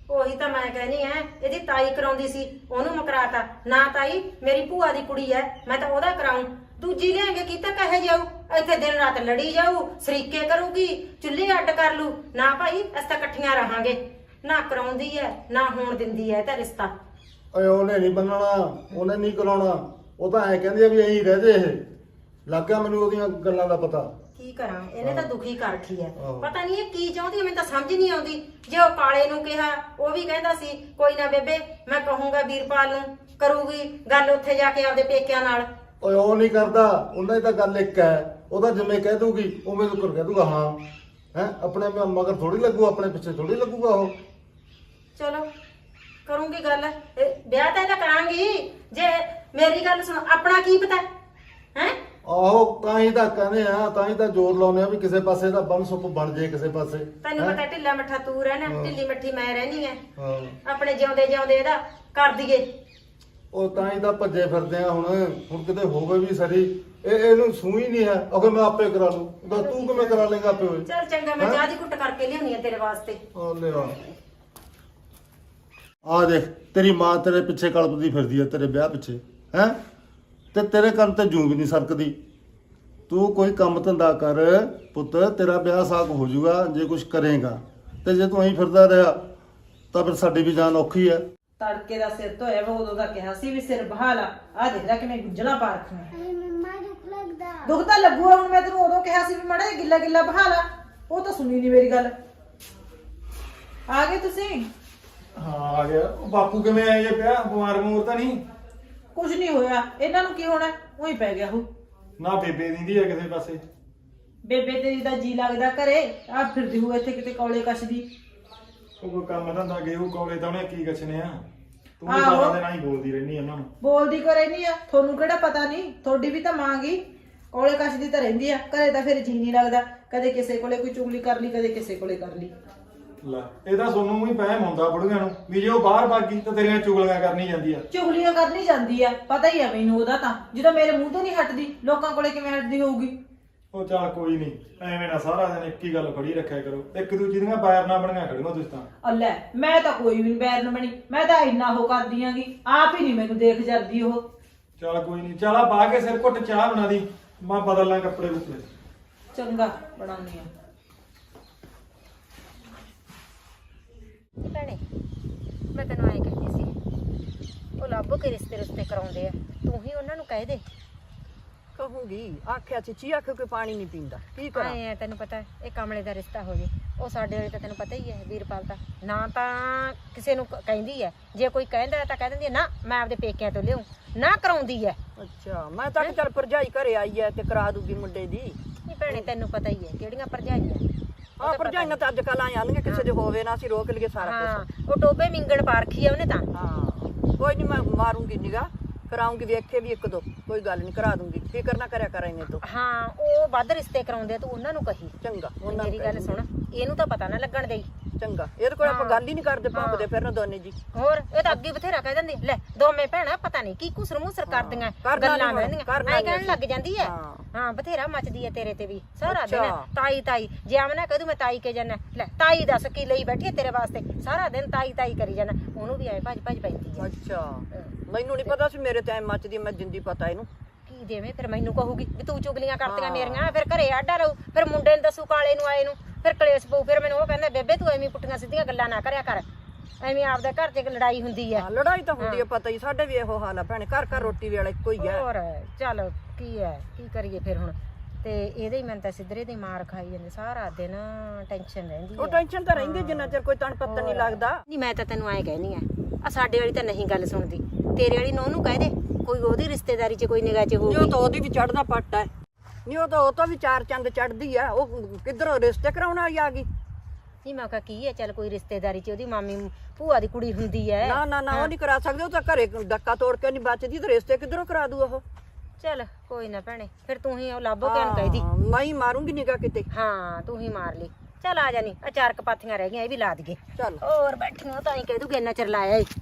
S1: ਉਹੀ ਤਾਂ ਮੈਂ ਕਹਿਨੀ ਐ, ਇਹਦੀ ਤਾਈ ਕਰਾਉਂਦੀ ਸੀ, ਉਹਨੂੰ ਮਕਰਾਤਾ ਨਾ। ਤਾਈ ਮੇਰੀ ਭੂਆ ਦੀ ਕੁੜੀ ਐ, ਮੈਂ ਤਾਂ ਉਹਦਾ ਕਰਾਉਂ। ਦੂਜੀ ਲਿਆਂਗੇ ਕੀਤਾ ਕਹੇ ਜਾਊ, ਇੱਥੇ ਦਿਨ ਰਾਤ ਲੜੀ ਜਾਊ, ਸਰੀਕੇ ਕਰੂਗੀ, ਚੁੱਲ੍ਹੇ ਅੱਡ ਕਰ ਲੂ। ਨਾ ਭਾਈ ਅਸੀਂ ਤਾਂ ਇਕੱਠੀਆਂ ਰਹਾਂਗੇ। ਨਾ ਕਰਾਉਂਦੀ ਐ ਨਾ ਹੋਣ ਦਿੰਦੀ ਐ ਤਾਂ ਰਿਸ਼ਤਾ।
S3: ਓਏ ਉਹਨੇ ਨਹੀਂ ਬੰਨਣਾ, ਉਹਨੇ ਨਹੀਂ ਕਰਾਉਣਾ। ਉਹ ਤਾਂ ਐ ਕਹਿੰਦੀ ਆ ਵੀ ਐਂ ਰਹਦੇ ਇਹ। ਲੱਗ ਗਿਆ ਮੈਨੂੰ ਉਹਦੀਆਂ ਗੱਲਾਂ ਦਾ ਪਤਾ।
S1: ਕੀ ਕਰਾਂ, ਇਹਨੇ ਤਾਂ ਦੁਖੀ ਕਰ ਰੱਖੀ ਐ।
S3: ਆਹੋ।
S1: ਪਤਾ ਨਹੀਂ ਇਹ ਕੀ ਚਾਹੁੰਦੀ ਐ, ਮੈਨੂੰ ਤਾਂ ਸਮਝ ਨਹੀਂ ਆਉਂਦੀ। ਜੇ ਉਹ ਕਾਲੇ ਨੂੰ ਕਿਹਾ, ਉਹ ਵੀ ਕਹਿੰਦਾ ਸੀ ਕੋਈ ਨਾ ਬੇਬੇ ਮੈਂ ਕਹੂੰਗਾ ਵੀਰਪਾਲ ਨੂੰ, ਕਰੂਗੀ ਗੱਲ ਉੱਥੇ ਜਾ ਕੇ ਆਪਦੇ ਪੇਕਿਆਂ ਨਾਲ।
S3: ਓਏ ਉਹ ਨਹੀਂ ਕਰਦਾ, ਉਹਨਾਂ ਦੀ ਤਾਂ ਗੱਲ ਇੱਕ ਹੈ। ਉਹਦਾ ਜਿਵੇਂ ਕਹਿ ਦੂਗੀ ਉਵੇਂ ਤੂੰ ਕਰ ਕਹਿ ਦੂਗਾ ਹਾਂ। ਹੈ ਆਪਣੇ ਮ- ਮਗਰ ਥੋੜੀ ਲੱਗੂ, ਆਪਣੇ ਪਿੱਛੇ ਥੋੜੀ ਲੱਗੂਗਾ ਉਹ।
S1: ਚਲੋ ਕਰੂੰਗੀ ਗੱਲ, ਇਹ ਵਿਆਹ ਤਾਂ ਇਹਦਾ ਕਰਾਂਗੀ। ਜੇ ਮੇਰੀ ਗੱਲ ਸੁਣ, ਆਪਣਾ ਕੀ ਪਤਾ ਹੈ?
S3: ਆਹੋ ਤਾਂ ਹੀ ਤਾਂ ਕਹਿੰਦੇ ਆ, ਤਾਂ ਹੀ ਤਾਂ ਜ਼ੋਰ ਲਾਉਂਦੇ ਆ ਵੀ ਕਿਸੇ ਪਾਸੇ ਦਾ ਬੰਨ ਸੁੱਪ ਬਣ ਜੇ ਕਿਸੇ ਪਾਸੇ।
S1: ਤੈਨੂੰ
S3: ਹੈਂ?
S1: ਪਤਾ ਢਿੱਲਾ ਮੱਠਾ ਤੂੰ ਰਹਿਣਾ,
S3: ਹਾਂ।
S1: ਢਿੱਲੀ ਮੱਠੀ ਮੈਂ ਰਹਿਣੀ ਹੈ।
S3: ਹਾਂ
S1: ਆਪਣੇ ਜਿਉਂਦੇ ਜਿਉਂਦੇ ਇਹਦਾ ਕਰ ਦਈਏ।
S3: ਉਹ ਤਾਂ ਹੀ ਤਾਂ ਭੱਜੇ ਫਿਰਦੇ ਆ ਹੁਣ। ਹੁਣ ਕਿਤੇ ਹੋਵੇ ਵੀ ਸਰੀ, ਇਹ ਇਹਨੂੰ ਸੂਈ ਨਹੀਂ ਹੈ। ਅਗਰ ਮੈਂ ਆਪੇ ਕਰਾ ਲੂੰ, ਤਾਂ ਤੂੰ ਕਿਵੇਂ ਕਰਾ ਲੇਗਾ ਆਪੇ ਹੋਏ?
S1: ਚੱਲ ਚੰਗਾ, ਮੈਂ
S3: ਹੈਂ?
S1: ਚਾਹ ਦੀ ਘੁੱਟ ਕਰਕੇ ਲਿਆਉਣੀ ਆ ਤੇਰੇ ਵਾਸਤੇ।
S3: ਆ ਲੈ ਆ ਆ ਦੇਖ, ਤੇਰੀ ਮਾਂ ਤੇਰੇ ਪਿੱਛੇ ਕਲਪਦੀ ਫਿਰਦੀ ਹੈ, ਤੇਰੇ ਵਿਆਹ ਪਿੱਛੇ। ਹੈ ਤੇ ਤੇਰੇ ਕੰਨ ਤੇ ਜੂੰ ਵੀ ਨਹੀਂ ਸਰਕਦੀ। ਤੂੰ ਕੋਈ ਕੰਮ ਧੰਦਾ ਕਰ ਪੁੱਤ, ਤੇਰਾ ਵਿਆਹ ਸਾਕ ਹੋ ਜਾਊਗਾ ਜੇ ਕੁਝ ਕਰੇਗਾ। ਤੇ ਜੇ ਤੂੰ ਐਂ ਫਿਰਦਾ ਰਿਹਾ ਤਾਂ ਫਿਰ ਸਾਡੀ ਵੀ ਜਾਨ ਔਖੀ ਹੈ।
S2: ਤੜਕੇ ਦਾ ਸਿਰ ਧੋਇਆ ਵਾ, ਉਦੋਂ ਦਾ ਕਿਹਾ ਸੀ ਵੀ ਸਿਰ ਬਹਾ ਲਾ। ਆ ਦੇਖ ਲੈ ਕਿਵੇਂ ਗੁੱਜਣਾ ਪਾ ਰੱਖੀਆਂ। ਦੁੱਖ ਤਾਂ ਲੱਗੂਗਾ ਹੁਣ। ਮੈਂ ਤੈਨੂੰ ਉਦੋਂ ਕਿਹਾ ਸੀ ਵੀ ਮਾੜਾ ਜਿਹਾ ਗਿੱਲਾ ਗਿੱਲਾ ਬਹਾ ਲਾ, ਉਹ ਤਾਂ ਸੁਣੀ ਨਹੀਂ ਮੇਰੀ ਗੱਲ। ਆ ਗਏ ਤੁਸੀਂ?
S5: ਹਾਂ ਆ ਗਿਆ। ਉਹ ਬਾਪੂ ਕਿਵੇਂ ਆਏ ਜੇ ਪਿਆ? ਬਿਮਾਰ ਬਮੂਰ ਤਾਂ ਨਹੀਂ?
S2: ਕੁਝ ਨਹੀਂ ਹੋਇਆ, ਇਹਨਾਂ ਨੂੰ ਕੀ ਹੋਣਾ, ਉਹੀ ਪੈ ਗਿਆ ਉਹ।
S5: ਨਾ ਬੇਬੇ ਦਿੰਦੀ ਆ ਕਿਸੇ ਪਾਸੇ?
S2: ਬੇਬੇ ਤੇਰੀ ਦਾ ਜੀ ਲੱਗਦਾ ਘਰੇ, ਆ ਫਿਰਦੀ ਹੋਊ ਇੱਥੇ ਕਿਤੇ ਕੌਲੇ ਕੱਛਦੀ।
S5: ਉਹ ਕੋਈ ਕੰਮ ਧੰਦਾ ਗਏ ਉਹ ਕੋਲੇ ਤਾਂ ਉਹਨੇ ਕੀ ਕੱਛਣੇ ਆ। ਤੂੰ ਵੀ
S2: ਆਹੋ।
S5: ਸਾਰਾ ਦਿਨ ਆਈ ਬੋਲਦੀ ਰਹਿਨੀ ਉਹਨਾਂ ਨੂੰ।
S2: ਬੋਲਦੀ ਕੋ ਰਹਿੰਦੀ ਆ, ਤੁਹਾਨੂੰ ਕਿਹੜਾ ਪਤਾ ਨਹੀਂ? ਤੁਹਾਡੀ ਵੀ ਤਾਂ ਮਾਂ ਗਈ, ਕੌਲੇ ਕੱਛਦੀ ਤਾਂ ਰਹਿੰਦੀ ਆ। ਘਰੇ ਤਾਂ ਫਿਰ ਜੀ ਨਹੀਂ ਲੱਗਦਾ, ਕਦੇ ਕਿਸੇ ਕੋਲੇ ਕੋਈ ਚੁਗਲੀ ਕਰ ਲਈ, ਕਦੇ ਕਿਸੇ ਕੋਲੇ ਕਰ ਲਈ।
S5: ਲੈ ਇਹ ਤਾਂ ਸੋਨੂੰ ਵੀ ਪਹਿਮ ਹੁੰਦਾ ਬੁੜੀਆਂ ਨੂੰ ਵੀ ਜੇ ਉਹ ਬਾਹਰ ਭਾਗੀ ਤਾਂ ਤੇਰੀਆਂ ਚੁਗਲੀਆਂ ਕਰਨੀ ਜਾਂਦੀ ਆ।
S2: ਚੁਗਲੀਆਂ ਕਰਨੀ ਜਾਂਦੀ ਆ, ਪਤਾ ਹੀ ਆ ਮੈਨੂੰ ਉਹਦਾ ਤਾਂ। ਜਦੋਂ ਮੇਰੇ ਮੂੰਹ ਤੋਂ ਨਹੀਂ ਹਟਦੀ, ਲੋਕਾਂ ਕੋਲੇ ਕਿਵੇਂ ਹਟਦੀ ਹੋਊਗੀ?
S5: ਉਹ ਚੱਲ ਕੋਈ ਨਹੀਂ, ਐਵੇਂ ਨਾ ਸਾਰਾ ਦਿਨ ਇੱਕ ਹੀ ਗੱਲ ਫੜੀ ਰੱਖਿਆ ਕਰੋ। ਇੱਕ ਦੂਜੀ ਦੀਆਂ ਬਾਇਰ ਨਾ ਬਣੀਆਂ ਖੜੀਆਂ ਤੁਸੀਂ ਤਾਂ।
S2: ਅੱਲੇ ਮੈਂ ਤਾਂ ਕੋਈ ਵੀ ਬੈਰ ਨਾ ਬਣੀ, ਮੈਂ ਤਾਂ ਇੰਨਾ ਉਹ ਕਰਦੀ ਆਂਗੀ, ਆਪ ਹੀ ਨਹੀਂ ਮੈਨੂੰ ਦੇਖ ਜਾਂਦੀ ਉਹ।
S5: ਚੱਲ ਕੋਈ ਨਹੀਂ, ਚੱਲ ਆ ਪਾ ਕੇ ਸਿਰ ਘੁੱਟ ਚਾਹ ਬਣਾ ਦੀ, ਮੈਂ ਬਦਲ ਲਾਂ ਕੱਪੜੇ ਕੁੱਪੜੇ।
S2: ਚੰਗਾ ਬਣਾਉਣੀ ਆ।
S1: ਭੈਣੇ ਮੈਂ ਤੈਨੂੰ ਐਂ ਕਹਿੰਦੀ ਸੀ, ਉਹ ਲੱਭੋ ਕੇ ਰਿਸ਼ਤੇ ਰਿਸ਼ਤੇ ਕਰਾਉਂਦੇ ਆ, ਤੂੰ ਹੀ ਉਹਨਾਂ ਨੂੰ ਕਹਿ ਦੇ।
S6: ਕਹੂੰਗੀ, ਆਖਿਆ ਚੀਚੀ ਆਖੇ ਕੋਈ ਪਾਣੀ ਨਹੀਂ ਪੀਂਦਾ, ਕੀ ਕਰਾਂ?
S1: ਆਏ ਆ, ਤੈਨੂੰ ਪਤਾ ਇਹ ਕਮਲੇ ਦਾ ਰਿਸ਼ਤਾ ਹੋ ਜੇ। ਉਹ ਸਾਡੇ ਵਾਲੀ ਤਾਂ ਤੈਨੂੰ ਪਤਾ ਹੀ ਹੈ, ਵੀਰਪਾਲ ਤਾਂ ਨਾ ਤਾਂ ਕਿਸੇ ਨੂੰ ਕ- ਕਹਿੰਦੀ ਹੈ। ਜੇ ਕੋਈ ਕਹਿੰਦਾ ਤਾਂ ਕਹਿ ਦਿੰਦੀ ਹੈ ਨਾ ਮੈਂ ਆਪਦੇ ਪੇਕਿਆਂ ਤੋਂ ਲਿਆਉਂ, ਨਾ ਕਰਾਉਂਦੀ ਹੈ।
S6: ਅੱਛਾ, ਮੈਂ ਤਾਂ ਚੱਲ ਭਰਜਾਈ ਘਰੇ ਆਈ ਐ ਤੇ ਕਰਾ ਦੂਗੀ ਮੁੰਡੇ ਦੀ।
S1: ਨਹੀਂ ਭੈਣੇ ਤੈਨੂੰ ਪਤਾ ਹੀ ਹੈ ਕਿਹੜੀਆਂ ਭਰਜਾਈਆਂ।
S6: ਆ ਭਰਜਾਈਆਂ ਤਾਂ ਅੱਜ ਕੱਲ ਆਈ ਆਣਗੇ, ਕਿਸੇ ਦੇ ਹੋਵੇ ਨਾ ਅਸੀਂ ਰੋਕ ਲਈਏ ਸਾਰਾ
S1: ਹਾਂ
S6: ਕੁਝ।
S1: ਉਹ ਟੋਬੇ ਮਿੰਗਣ ਪਾ ਰੱਖੀ ਆ ਉਹਨੇ ਤਾਂ।
S6: ਹਾਂ ਕੋਈ ਨਹੀਂ, ਮੈਂ ਮਾਰੂੰਗੀ ਨਿਗਾ, ਕਰਾਉਂਗੀ, ਵੇਖੇ ਵੀ ਇੱਕ ਦੋ, ਕੋਈ ਗੱਲ ਨਹੀਂ, ਕਰਾ ਦੂੰਗੀ, ਫਿਕਰ ਨਾ ਕਰਿਆ ਕਰ ਇਹਨੇ ਤੋਂ।
S1: ਹਾਂ ਉਹ ਵੱਧ ਰਿਸ਼ਤੇ ਕਰਾਉਂਦੇ ਆ, ਤੂੰ ਉਹਨਾਂ ਨੂੰ ਕਹੀ।
S6: ਚੰਗਾ, ਉਹਨਾਂ ਨੂੰ
S1: ਮੇਰੀ ਗੱਲ ਸੁਣ, ਇਹਨੂੰ ਤਾਂ ਪਤਾ ਨਾ ਲੱਗਣ ਦੇਈ।
S6: ਚੰਗਾ, ਇਹਦੇ ਕੋਲ ਆਪਾਂ
S1: ਹਾਂ।
S6: ਗੱਲ ਹੀ ਨਹੀਂ ਕਰਦੇ, ਭੌਂਕਦੇ
S1: ਹਾਂ।
S6: ਫਿਰਨ ਦੋਨੇ ਜੀ।
S1: ਹੋਰ ਇਹ ਤਾਂ ਅੱਗੇ ਬਥੇਰਾ ਕਹਿ ਦਿੰਦੀ ਲੈ ਦੋਵੇਂ ਭੈਣਾਂ ਪਤਾ ਨਹੀਂ ਕੀ ਕੁਸਰ ਮੁਸਰ ਕਰਦੀਆਂ,
S6: ਕਰਨਾ
S1: ਗੱਲਾਂ
S6: ਨੀ
S1: ਬਹਿੰਦੀਆਂ
S6: ਕਰਨਾ
S1: ਐ
S6: ਨੀ
S1: ਕਹਿਣ
S6: ਅਸੀਂ।
S1: ਲੱਗ ਜਾਂਦੀ ਹੈ।
S6: ਹਾਂ।
S1: ਹਾਂ ਬਥੇਰਾ ਮੱਚਦੀ ਹੈ ਤੇਰੇ ਤੇ ਵੀ ਸਾਰਾ ਦਿਨ।
S6: ਅੱਛਾ।
S1: ਤਾਈ ਤਾਈ ਜੇ ਆਮਨਾ ਕਹਦੂ ਮੈਂ ਤਾਈ ਕੇ ਜਾਣਾ, ਲੈ ਤਾਈ ਦੱਸ ਕੀ ਲਈ ਬੈਠੀ ਹੈ ਤੇਰੇ ਵਾਸਤੇ, ਸਾਰਾ ਦਿਨ ਤਾਈ ਤਾਈ ਕਰੀ ਜਾਣਾ। ਉਹਨੂੰ ਵੀ ਐ ਭੱਜ ਭੱਜ ਪੈਂਦੀ ਹੈ।
S6: ਅੱਛਾ, ਮੈਨੂੰ ਨਹੀਂ ਪਤਾ ਸੀ ਮੇਰੇ ਤੇ ਐ ਮੱਚਦੀ, ਮੈਂ ਜਿੰਦੀ ਪਤਾ ਇਹਨੂੰ।
S1: ਕੀ ਦੇਵੇਂ ਫਿਰ ਮੈਨੂੰ ਕਹੂਗੀ ਵੀ ਤੂੰ ਚੁਗਲੀਆਂ ਕਰਤੀਆਂ
S6: ਹਾਂ।
S1: ਮੇਰੀਆਂ, ਫਿਰ ਘਰੇ ਆਡਾ ਰਹੂ, ਫਿਰ ਮੁੰਡੇ ਨੂੰ ਦੱਸੂ ਕਾਲੇ ਨੂੰ ਆਏ ਨੂੰ, ਫਿਰ ਕਲੇਸ਼ ਪਊ। ਫਿਰ ਮੈਨੂੰ ਉਹ ਕਹਿੰਦਾ ਬੇਬੇ ਤੂੰ ਐਵੇਂ ਪੁੱਠੀਆਂ ਸਿੱਧੀਆਂ ਗੱਲਾਂ ਨਾ ਕਰਿਆ ਕਰ, ਐਵੇਂ ਆਪਦੇ ਘਰ 'ਚ ਲੜਾਈ ਹੁੰਦੀ ਹੈ।
S6: ਹਾਂ, ਲੜਾਈ ਤਾਂ ਹੁੰਦੀ ਹੈ, ਪਤਾ ਹੀ, ਸਾਡੇ ਵੀ ਇਹੋ ਹਾਲ ਆ ਭੈਣੇ, ਘਰ ਘਰ ਰੋਟੀ ਵੇਲੇ ਇੱਕੋ ਹੀ ਹੈ।
S1: ਹੋਰ ਚੱਲ ਕੀ ਹੈ, ਕੀ ਕਰੀਏ ਫਿਰ ਹੁਣ। ਤੇ ਇਹਦੇ ਹੀ ਮੈਨੂੰ ਤਾਂ ਸਿੱਧਰੇ ਦੀ ਮਾਰ ਖਾਈ ਜਾਂਦੇ, ਸਾਰਾ ਦਿਨ ਟੈਨਸ਼ਨ ਰਹਿੰਦੀ
S6: ਉਹ
S1: ਹੈ।
S6: ਟੈਨਸ਼ਨ ਤਾਂ ਰਹਿੰਦੀ ਜਿੰਨਾ ਚਿਰ ਕੋਈ ਤਣ ਪੱਤਨ ਨਹੀਂ ਲੱਗਦਾ।
S1: ਨਹੀਂ ਮੈਂ ਤਾਂ ਤੈਨੂੰ ਐਂ ਕਹਿਨੀ ਆ, ਆ ਸਾਡੇ ਵਾਲੀ ਤਾਂ ਨਹੀਂ ਗੱਲ ਸੁਣਦੀ, ਤੇਰੇ ਵਾਲੀ ਨੂੰ ਉਹਨੂੰ ਕਹਿ ਦੇ, ਕੋਈ ਉਹਦੀ ਰਿਸ਼ਤੇਦਾਰੀ 'ਚ ਕੋਈ ਨਿਗਾਹ 'ਚ
S6: ਨਹੀਂ, ਉਹ
S1: ਹੋਊਗੀ।
S6: ਤਾਂ ਉਹਦੀ ਵੀ ਚੜਦਾ ਪੱਟ ਹੈ। ਨਹੀਂ, ਉਹ ਤਾਂ ਉਹ ਤਾਂ ਵੀ ਚਾਰ ਚੰਦ ਚੜਦੀ ਆ। ਉਹ ਕਿੱਧਰੋਂ ਰਿਸ਼ਤੇ ਕਰਾਉਣ ਵਾਲੀ ਆ ਗਈ?
S1: ਨਹੀਂ ਮੈਂ ਕਿਹਾ ਕੀ ਹੈ, ਚੱਲ ਕੋਈ ਰਿਸ਼ਤੇਦਾਰੀ 'ਚ ਉਹਦੀ ਮਾਮੀ ਭੂਆ ਦੀ ਕੁੜੀ ਹੁੰਦੀ ਹੈ।
S6: ਨਾ ਨਾ ਨਾ, ਉਹ ਨਹੀਂ ਕਰਾ ਸਕਦੇ, ਉਹ ਤਾਂ ਘਰੇ ਡੱਕਾ ਤੋੜ ਕੇ ਨਹੀਂ ਬਚਦੀ, ਤੇ ਰਿਸ਼ਤੇ ਕਿੱਧਰੋਂ ਕਰਾ ਦੂ ਉਹ?
S1: ਚੱਲ ਕੋਈ ਨਾ ਭੈਣੇ, ਫਿਰ ਤੂੰ ਹੀ ਉਹ ਲੱਭੋ ਕੇ ਨੂੰ ਕਹਿਦੀ।
S6: ਹਾਂ, ਮੈਂ ਹੀ ਮਾਰੂੰਗੀ ਨਿਗਾ ਕਿਤੇ।
S1: ਹਾਂ ਤੂੰ ਹੀ ਮਾਰ ਲਈ। ਚੱਲ ਆ ਜਾਨੀ, ਆ ਚਾਰ ਕਪਾਥੀਆਂ ਰਹਿ ਗਈਆਂ, ਇਹ ਵੀ ਲਾ ਦਈਏ।
S6: ਚੱਲ
S1: ਹੋਰ ਬੈਠੀਆਂ ਤਾਂ ਹੀ ਕਹਿ ਦੂਗੇ ਇੰਨਾ ਚਿਰ ਲਾਇਆ ਈ।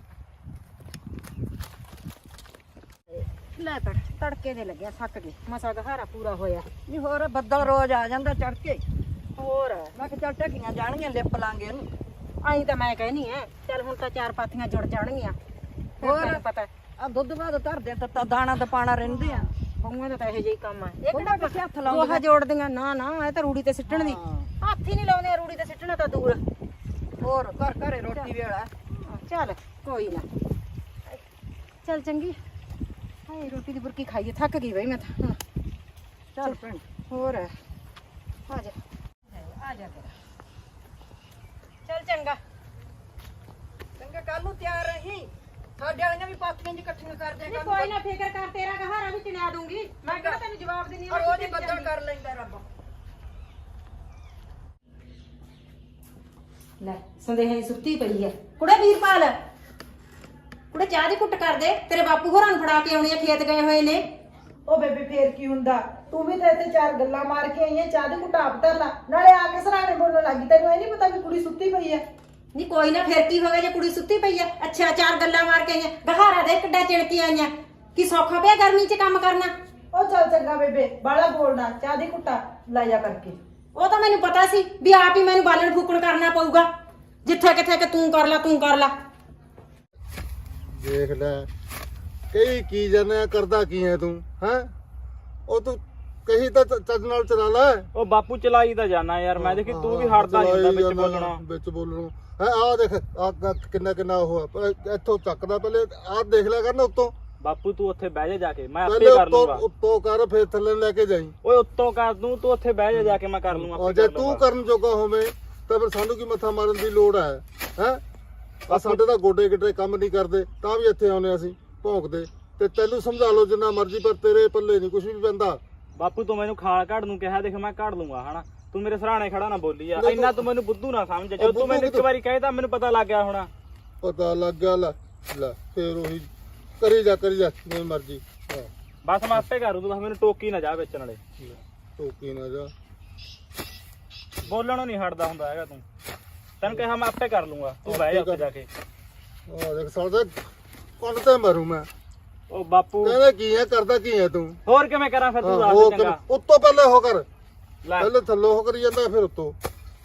S1: ਲੈ ਪੜ ਤੜਕੇ ਦੇ ਲੱਗਿਆ, ਥੱਕ ਗਏ, ਮਸਾ ਗਹਾਰਾ ਪੂਰਾ ਹੋਇਆ।
S6: ਨਹੀਂ, ਹੋਰ ਬੱਦਲ ਰੋਜ਼ ਆ ਜਾਂਦਾ ਚੜ ਕੇ।
S1: ਹੋਰ
S6: ਮੈਂ ਕਿਹਾ ਚੱਲ ਢੱਕੀਆਂ ਜਾਣਗੀਆਂ, ਲਿਪ ਲਾਂਗੇ ਇਹਨੂੰ।
S1: ਆਈ ਤਾਂ ਮੈਂ ਕਹਿਨੀ ਐ ਚੱਲ ਹੁਣ ਤਾਂ ਚਾਰ ਪਾਥੀਆਂ ਜੁੜ ਜਾਣਗੀਆਂ ਹੋਰ
S6: ਹੋਰ?
S1: ਤੈਨੂੰ ਪਤਾ
S6: ਆ ਦੁੱਧ ਬਾਦ ਧਰਦੇ ਤਾਂ ਤਾਂ ਦਾਣਾ ਤਾਂ ਪਾਣਾ ਰਹਿੰਦੇ ਆ
S1: ਬਹੂਆਂ ਦਾ ਤਾਂ ਇਹੋ ਜਿਹਾ ਹੀ ਕੰਮ ਆ ਇਹ
S6: ਉਹਨਾਂ
S1: ਕਿਹੜਾ
S6: ਕਿੱਥੇ ਹੱਥ
S1: ਦੋਹਾ
S6: ਲਾਉਂਦੇ
S1: ਜੋੜਦੀਆਂ ਨਾ ਨਾ ਇਹ ਤਾਂ ਰੂੜੀ ਤੇ ਸਿੱਟਣ ਦੀ ਹੱਥ ਹੀ ਨਹੀਂ ਲਾਉਂਦੇ ਆ, ਰੂੜੀ ਤੇ ਸਿੱਟਣਾ ਤਾਂ ਦੂਰ
S6: ਹੋਰ ਘਰ ਘਰੇ ਰੋਟੀ ਵੇਲਾ
S1: ਚੱਲ ਕੋਈ ਨਾ ਚੱਲ ਚੰਗੀ ਹਾਏ ਰੋਟੀ ਦੀ ਬੁਰਕੀ ਖਾਈਏ ਥੱਕ ਗਈ ਬਈ ਮੈਂ ਤਾਂ ਹੁਣ
S6: ਚੱਲ ਭੈਣ
S1: ਹੋਰ ਆ ਜਾ ਆ ਜਾ ਤੇਰਾ ਚੱਲ ਚੰਗਾ
S6: ਚੰਗਾ ਕੱਲ ਨੂੰ ਤਿਆਰ ਰਹੀ ਸਾਡੇ ਵਾਲੀਆਂ ਵੀ ਪਾਥੀਆਂ ਜੀ ਇਕੱਠੀਆਂ ਕਰ ਦਿਆ
S1: ਨਹੀਂ ਕੋਈ ਨਾ ਫਿਕਰ ਕਰ ਤੇਰਾ ਕਹਾਰਾ ਵੀ ਚਿਣਾ ਦੂੰਗੀ ਮੈਂ ਕਿਹੜਾ ਤੈਨੂੰ ਜਵਾਬ ਦਿੰਨੀ
S6: ਔਰ ਉਹਦੀ ਬੱਦਲ ਕਰ ਲੈਂਦਾ ਰੱਬ
S1: ਲੈ ਸੰਦੇਹੀ ਸੁੱਤੀ ਪਈ ਐ ਕੁੜੇ ਵੀਰਪਾਲ ਕੁੜੇ ਚਾਹ ਦੀ ਕੁੱਟ ਕਰ ਦੇ ਤੇਰੇ ਬਾਪੂ ਹੋਰਾਂ ਨੂੰ ਫੜਾ ਕੇ ਆਉਣੀ ਆ ਖੇਤ ਗਏ ਹੋਏ ਨੇ
S2: ਉਹ ਬੇਬੇ ਫੇਰ ਕੀ ਹੁੰਦਾ ਤੂੰ ਵੀ ਤਾਂ ਇੱਥੇ ਚਾਰ ਗੱਲਾਂ ਮਾਰ ਕੇ ਆਈ ਐ ਚਾਹ ਦੀ ਘੁੱਟ ਆਪ ਧਰ ਲਾ ਨਾਲੇ ਆ ਕੇ ਸਰਾਣੇ ਬੋਲਣ ਲੱਗੀ ਤੈਨੂੰ ਇਹ ਨਹੀਂ ਪਤਾ ਵੀ ਕੁੜੀ ਸੁੱਤੀ ਪਈ ਐ
S1: ਨਹੀਂ ਕੋਈ ਨਾ ਫਿਰ ਕੀ ਹੋ ਗਿਆ ਜੇ ਕੁੜੀ ਸੁੱਤੀ ਪਈ ਐ ਅੱਛਾ ਚਾਰ ਗੱਲਾਂ ਮਾਰ ਕੇ ਆਈਆਂ ਗਹਾਰਾ ਦੇ ਕਿੱਡਾ ਚਿੜਕੀ ਆਈਆਂ ਕੀ ਸੌਖਾ ਪਿਆ ਗਰਮੀ 'ਚ ਕੰਮ ਕਰਨਾ
S2: ਉਹ ਚੱਲ ਚੰਗਾ ਬੇਬੇ ਬਾਲਾ ਬੋਲਣਾ ਚਾਹ ਦੀ ਘੁੱਟਾ ਲੈ ਜਾ ਕਰਕੇ
S1: ਉਹ ਤਾਂ ਮੈਨੂੰ ਪਤਾ ਸੀ ਵੀ ਆਪ ਹੀ ਮੈਨੂੰ ਬਾਲਣ ਫੂਕਣ ਕਰਨਾ ਪਊਗਾ ਜਿੱਥੇ ਕਿੱਥੇ ਕਿ ਤੂੰ ਕਰ ਲੈ ਤੂੰ ਕਰ ਲੈ
S3: ਦੇਖ ਲੈ ਕਈ ਕੀ ਜਾਣਿਆ ਕਰਦਾ ਕੀ ਹੈ ਤੂੰ ਹੈ ਉਹ ਤੂੰ ਕਹੀ ਤਾਂ ਚ- ਚੱਜ ਨਾਲ ਚਲਾ ਲੈ
S4: ਉਹ ਬਾਪੂ ਚਲਾਈ ਤਾਂ ਜਾਣਾ ਯਾਰ ਮੈਂ ਦੇਖੀ ਤੂੰ ਵੀ ਹਟਦਾ ਨਹੀਂ ਹੁੰਦਾ ਵਿੱਚ
S3: ਚਲਾਈ ਜਾਂਦਾ,
S4: ਬੋਲਣਾ
S3: ਵਿੱਚ ਬੋਲਣਾ ਹੈ ਆਹ ਦੇਖ ਆ ਕਿੰਨਾ ਕਿੰਨਾ ਉਹ ਆ, ਪਰ ਇੱਥੋਂ ਚੱਕਦਾ ਪਹਿਲੇ ਆਹ ਦੇਖ ਲਿਆ ਕਰ ਨਾ ਉੱਤੋਂ
S4: ਬਾਪੂ ਤੂੰ ਉੱਥੇ ਬਹਿ ਜਾ ਜਾ ਕੇ ਮੈਂ
S3: ਪਹਿਲੇ
S4: ਆਪੇ ਕਰ
S3: ਉੱਤੋਂ
S4: ਲੂੰਗਾ
S3: ਉੱਤੋਂ ਕਰ ਫਿਰ ਥੱਲੇ ਲੈ ਕੇ ਜਾਈ
S4: ਓਏ ਉੱਤੋਂ ਕਰ ਦੂੰ ਤੂੰ ਉੱਥੇ ਬਹਿ ਜਾ ਜਾ ਕੇ ਮੈਂ ਕਰ ਲੂੰਗਾ
S3: ਔਰ
S4: ਆਪੇ
S3: ਜੇ
S4: ਕਰ
S3: ਤੂੰ
S4: ਲੂੰਗਾ।
S3: ਕਰਨ ਜੋਗਾ ਹੋਵੇਂ ਤਾਂ ਫਿਰ ਸਾਨੂੰ ਕੀ ਮੱਥਾ ਮਾਰਨ ਦੀ ਲੋੜ ਹੈ ਹੈ ਆ ਸਾਡੇ ਤਾਂ ਗੋਡੇ ਗਿੱਟੇ ਕੰਮ ਨਹੀਂ ਕਰਦੇ ਤਾਂ ਵੀ ਇੱਥੇ ਆਉਨੇ ਅਸੀਂ ਭੌਂਕਦੇ ਤੇ ਤੈਨੂੰ ਸਮਝਾ ਲਓ ਜਿੰਨਾ ਮਰਜ਼ੀ ਪਰ ਤੇਰੇ ਪੱਲੇ ਨਹੀਂ ਕੁਝ ਵੀ ਪੈਂਦਾ
S4: ਬਾਪੂ ਤੂੰ ਮੈਨੂੰ ਖਾਲ ਕੱਢ ਨੂੰ ਕਿਹਾ ਦੇਖ ਮੈਂ ਕੱਢ ਲੂੰਗਾ ਹਨਾ ਤੂੰ ਮੇਰੇ ਸਰਾਣੇ ਖੜਾ ਨਾ ਬੋਲੀ ਆ
S3: ਨਹੀਂ
S4: ਇੰਨਾ
S3: ਤੂੰ-
S4: ਤੂੰ ਮੈਨੂੰ ਬੁੱਧੂ ਨਾ ਸਮਝ
S3: ਉਹ
S4: ਜਦੋਂ ਤੂੰ
S3: ਬੁੱਧੂ
S4: ਮੈਨੂੰ ਇੱਕ
S3: ਕਿੱਥੋਂ?
S4: ਵਾਰੀ ਕਹੇ ਤਾਂ ਮੈਨੂੰ ਪਤਾ ਲੱਗ ਗਿਆ ਹੋਣਾ
S3: ਪਤਾ ਲੱਗ ਗਿਆ ਲੈ ਲੈ ਫੇਰ ਉਹੀ ਕਰੀ ਜਾ ਕਰੀ ਜਾ ਜਿਵੇਂ ਮਰਜ਼ੀ ਹਾਂ
S4: ਬਸ ਮੈਂ ਆਪੇ ਕਰੂ ਤੂੰ ਬਸ ਮੈਨੂੰ ਟੋਕੀ ਨਾ ਜਾ ਵਿੱਚ ਨਾਲੇ
S3: ਲੈ, ਟੋਕੀ ਨਾ ਜਾ
S4: ਬੋਲਣੋਂ ਨਹੀਂ ਹਟਦਾ ਹੁੰਦਾ ਹੈਗਾ ਤੂੰ ਤੈਨੂੰ ਕਿਹਾ ਮੈਂ ਆਪੇ ਕਰ ਲੂੰਗਾ ਤੂੰ ਬਹਿ ਜਾ ਉੱਥੇ ਜਾ ਕੇ
S3: ਆ ਦੇਖ ਸਾਲੇ ਕੰਨ ਤੇ ਮਰੂ ਮੈਂ
S4: ਉਹ ਬਾਪੂ
S3: ਕਹਿੰਦਾ ਕੀ ਹੈ ਕਰਦਾ ਕੀ ਹੈ ਤੂੰ
S4: ਹੋਰ ਕਿਵੇਂ ਕਰਾਂ ਫਿਰ ਤੂੰ
S3: ਹਾਂ,
S4: ਦੱਸ
S3: ਉਹ
S4: ਦੇ ਚੰਗਾ
S3: ਕਰ- ਉੱਤੋਂ ਪਹਿਲੇ ਹੋ ਕਰ
S4: ਲੈ
S3: ਪਹਿਲੇ ਥੱਲੋਂ ਹੋ ਕਰੀ ਜਾਂਦਾ ਫਿਰ ਉੱਤੋਂ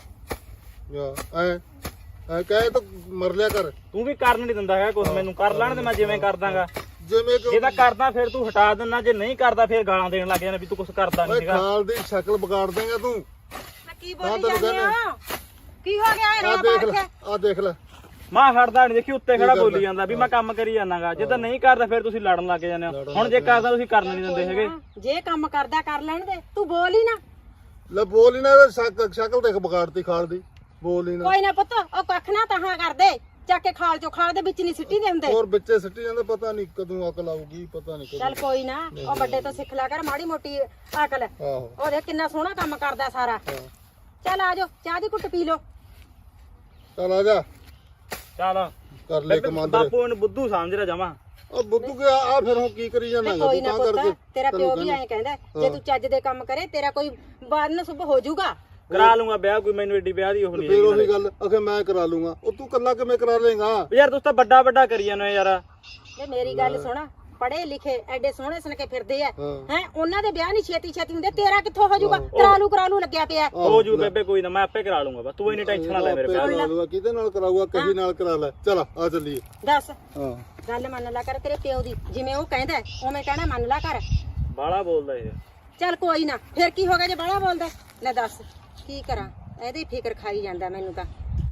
S3: ਯਾ ਐ ਐ ਕਹੇ ਤਾਂ ਮਰ ਲਿਆ ਕਰ
S4: ਤੂੰ ਵੀ ਕਰਨ ਨਹੀਂ ਦਿੰਦਾ ਹੈਗਾ ਕੁਝ ਮੈਨੂੰ ਕਰ ਲੈਣ ਤੇ ਮੈਂ ਜਿਵੇਂ ਕਰ ਦਾਂਗਾ
S3: ਜਿਵੇਂ
S4: ਜੇ
S3: ਕਿ
S4: ਤਾਂ ਕਰਦਾ ਫਿਰ ਤੂੰ ਹਟਾ ਦਿੰਦਾ ਜੇ ਨਹੀਂ ਕਰਦਾ ਫਿਰ ਗਾਲਾਂ ਦੇਣ ਲੱਗ ਜਾਣਾ ਵੀ ਤੂੰ ਕੁਝ ਕਰਦਾ ਨਹੀਂ
S3: ਓਏ
S4: ਹੈਗਾ
S3: ਖਾਲ ਦੀ ਸ਼ਕਲ ਵਿਗਾੜ ਦੇਂਗਾ ਤੂੰ
S1: ਮੈਂ ਕੀ
S3: ਹਾਂ,
S1: ਬੋਲੀ
S3: ਤੈਨੂੰ
S1: ਜਾਂਦੀ
S3: ਕਹਿੰਦਾ।
S1: ਆ ਕੀ ਹੋ ਗਿਆ ਇਹ
S3: ਆ
S1: ਰੌਲਾ
S3: ਦੇਖ
S1: ਪਾ
S3: ਲੈ
S1: ਕੇ
S3: ਆ ਦੇਖ ਲੈ
S4: ਮੈਂ ਹਟਦਾ ਨਹੀਂ ਦੇਖੀ ਉੱਤੇ ਖੜਾ
S3: ਕੀ
S4: ਬੋਲੀ
S3: ਕਰਦਾ?
S4: ਜਾਂਦਾ ਵੀ ਮੈਂ ਕੰਮ ਕਰੀ ਜਾਣਾਗਾ ਜੇ ਤਾਂ ਨਹੀਂ ਕਰਦਾ ਫਿਰ ਤੁਸੀਂ ਲੜਨ ਲੱਗ ਜਾਂਦੇ ਹੋ
S3: ਲੜਨ
S4: ਹੁਣ ਜੇ
S3: ਲੱਗ
S4: ਕਰਦਾ ਤੁਸੀਂ ਕਰਨ ਨਹੀਂ ਦਿੰਦੇ ਹੈਗੇ
S1: ਜੇ ਕੰਮ ਕਰਦਾ ਕਰ ਲੈਣ ਦੇ ਤੂੰ ਬੋਲ ਹੀ ਨਾ
S3: ਲੈ ਬੋਲ ਹੀ ਨਾ ਇਹਦਾ ਸ਼ਕ- ਸ਼ਕਲ ਦੇਖ ਵਿਗਾੜਤੀ ਖਾਲ ਦੀ ਬੋਲ ਹੀ ਨਾ
S1: ਕੋਈ ਨਾ ਪੁੱਤ ਉਹ ਕੱਖ ਨਾ ਤਹਾਂ ਕਰਦੇ ਚੱਕ ਕੇ ਖਾਲ ਚੋਂ ਖਾਲ ਦੇ ਵਿੱਚ ਨਹੀਂ ਸਿੱਟੀ ਦੇ ਹੁੰਦੇ
S3: ਹੋਰ ਬੱਚੇ ਸਿੱਟੀ ਜਾਂਦੇ ਪਤਾ ਨਹੀਂ ਕਦੋਂ ਅਕਲ ਆਊਗੀ ਪਤਾ ਨਹੀਂ ਕਦੋਂ
S1: ਚੱਲ ਕੋਈ ਨਾ ਉਹ ਵੱਡੇ ਤੋਂ ਸਿੱਖ ਲਿਆ ਕਰ ਮਾੜੀ ਮੋਟੀ ਅਕਲ
S3: ਆਹੋ
S1: ਉਹ ਦੇਖ ਕਿੰਨਾ ਸੋਹਣਾ ਕੰਮ ਕਰਦਾ ਸਾਰਾ
S3: ਹਾਂ।
S1: ਚੱਲ ਆ ਜਾਓ ਚਾਹ ਦੀ ਘੁੱਟ ਪੀ ਲਓ
S3: ਚੱਲ ਆ ਜਾ
S4: ਚੱਲ
S3: ਕਰ ਲੈ
S4: ਬੇਬੇ,
S3: ਕਮਾਂਦਰ
S4: ਬਾਪੂ ਇਹਨੂੰ ਬੁੱਧੂ ਸਮਝ ਰਿਹਾ ਜਮਾ
S3: ਉਹ ਬੁੱਧੂ ਕੇ ਆ ਫਿਰ ਹੁਣ ਕੀ ਕਰੀ ਜਾਣਾ
S1: ਕੋਈ ਨਾ ਪੁੱਤ ਤੇਰਾ ਪਿਓ ਵੀ ਐਂ ਕਹਿੰਦਾ ਜੇ ਤੂੰ ਚੱਜ ਦੇ ਕੰਮ ਕਰੇ ਤੇਰਾ ਕੋਈ ਬੰਨ ਸੁਭ ਹੋ ਜਾਊਗਾ
S4: ਕਰਾ ਲੂੰਗਾ ਵਿਆਹ ਕੋਈ ਮੈਨੂੰ ਏਡੀ ਵਿਆਹ ਦੀ ਉਹ ਨਹੀਂ
S3: ਫਿਰ ਉਹੀ ਗੱਲ ਅਖੇ ਮੈਂ ਕਰਾ ਲੂੰਗਾ ਉਹ ਤੂੰ ਕੱਲਾ ਕਿਵੇਂ ਕਰਾ ਲੇਗਾ
S4: ਯਾਰ ਤੁਸੀਂ ਤਾਂ ਵੱਡਾ ਵੱਡਾ ਕਰੀ ਜਾਂਦੇ ਹੋ ਯਾਰ
S1: ਇਹ ਮੇਰੀ ਗੱਲ ਸੁਣ ਪੜੇ ਲਿਖੇ ਐਡੇ ਸੋਹਣੇ ਸੁਣ ਕੇ ਫਿਰਦੇ ਆ
S3: ਹਾਂ।
S1: ਹੈ ਉਹਨਾਂ ਦੇ ਵਿਆਹ ਨਹੀਂ ਛੇਤੀ ਛੇਤੀ ਹੁੰਦੇ ਤੇਰਾ ਕਿੱਥੋਂ ਹੋ ਜਾਊਗਾ ਕਰਾਲੂ ਕਰਾਲੂ ਲੱਗਿਆ ਪਿਆ
S4: ਹੋ ਜੂ ਬੇਬੇ ਕੋਈ ਨਾ ਮੈਂ ਆਪੇ ਕਰਾ ਲੂੰਗਾ ਬਸ ਤੂੰ ਇੰਨੀ ਟੈਨਸ਼ਨ ਨਾ ਲੈ ਮੇਰੇ ਵਿਆਹ ਦੀ
S3: ਕਰਾ ਲੂਗਾ ਕਿਹਦੇ ਨਾਲ ਕਰਾਊਗਾ ਕਹੀ ਨਾਲ ਕਰਾ ਲੈ ਚਲ ਆ ਚੱਲੀਏ
S1: ਦੱਸ
S3: ਹਾਂ
S1: ਗੱਲ ਮੰਨ ਲਾ ਕਰ ਤੇਰੇ ਪਿਓ ਦੀ ਜਿਵੇਂ ਉਹ ਕਹਿੰਦਾ ਉਵੇਂ ਕਹਿਣਾ ਮੰਨ ਲਾ ਕਰ
S4: ਬਾਲਾ ਬੋਲਦਾ ਇਹ
S1: ਚੱਲ ਕੋਈ ਨਾ ਫਿਰ ਕੀ ਹੋ ਗਿਆ ਜੇ ਬਾਹਲਾ ਬੋਲਦਾ ਲੈ ਦੱਸ ਕੀ ਕਰਾਂ ਇਹਦੀ ਫਿਕਰ ਖਾਈ ਜਾਂਦਾ ਮੈਨੂੰ ਤਾਂ